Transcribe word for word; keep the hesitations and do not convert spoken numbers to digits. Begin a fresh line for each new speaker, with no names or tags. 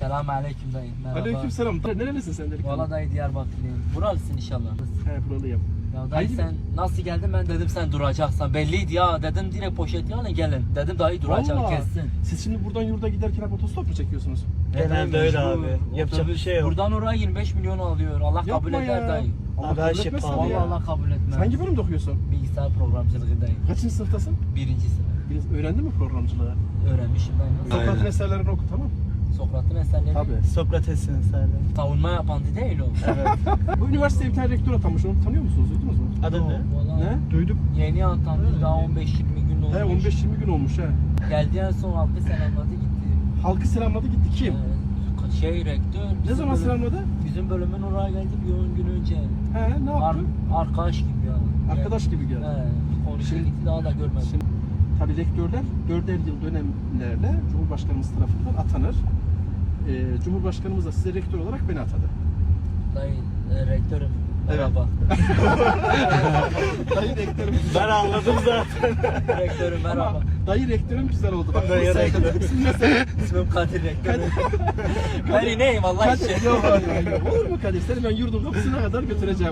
Selam aleyküm dayı. Merhaba.
Aleykümselam. Nerelisin sen dedik?
Valla dayı Diyarbakırlıyım. Buralısın inşallah.
He buralıyım.
Ya dayı
Hangi-
sen nasıl geldin, ben dedim sen duracaksan. Belliydi ya, dedim direkt poşet alın gelin. Dedim dayı duracak
Vallahi.
kessin.
Siz şimdi buradan yurda giderken hep otostop mu çekiyorsunuz?
Genelde öyle abi.
Mecbur.
Yapacak bir şey yok.
Buradan oraya yirmi beş milyon alıyor. Allah kabul
Yapma
eder
ya.
dayı.
Allah
Abi her
kabul
şey
etmez
pahalı
tabii
Vallahi
ya.
Allah kabul etmez.
Sen hangi bölümde okuyorsun?
Bilgisayar programcılığı dayı.
Kaçıncı sınıftasın?
Birinci sınıf.
Biraz öğrendin mi programcılığı?
Öğrenmişim dayı. Nasıl?
Aynen.
Sokrat'ın eserlerini oku tamam.
Sokrat'ın eserleri.
Tabii.
Sokrates'in eserleri.
Savunma yapan değil o.
Evet.
Bu üniversiteye bir tane rektör atamış, onu tanıyor musunuz? Duydunuz mu?
Adı ne?
Vallahi
Ne?
Duydum.
Yeni atandı, daha on beş yirmi gün olmuş.
He on beş yirmi gün olmuş he.
Geldi en son halkı selamladı gitti.
Halkı selamladı gitti kim?
Ee, şey rektör.
Ne
bizim
zaman
bölüm-
selamladı?
Bizim bölümün oraya geldi bir on gün önce.
He ne
Ar
yaptı?
arkadaş gibi yani.
Arkadaş gibi geldi.
He, konuştu
Şimdi-
gitti, daha da görmedim.
Şimdi, tabii rektörler dörder yıl dönemlerle Cumhurbaşkanımız tarafından atanır. Ee, Cumhurbaşkanımız da size rektör olarak beni atadı.
Dayı e, rektörüm.
Evet.
Merhaba.
Dayı rektörüm
Ben anladım zaten.
Rektörüm merhaba.
Ama dayı rektörüm güzel oldu. Bak,
Dayı
sen-
rektör.
İsim ne sen?
İsmim Kadir rektörüm. Ben ineyim Allah için.
Kadir, yok, hayır, hayır. Olur mu Kadir? Seni ben yurdun kapısına kadar götüreceğim.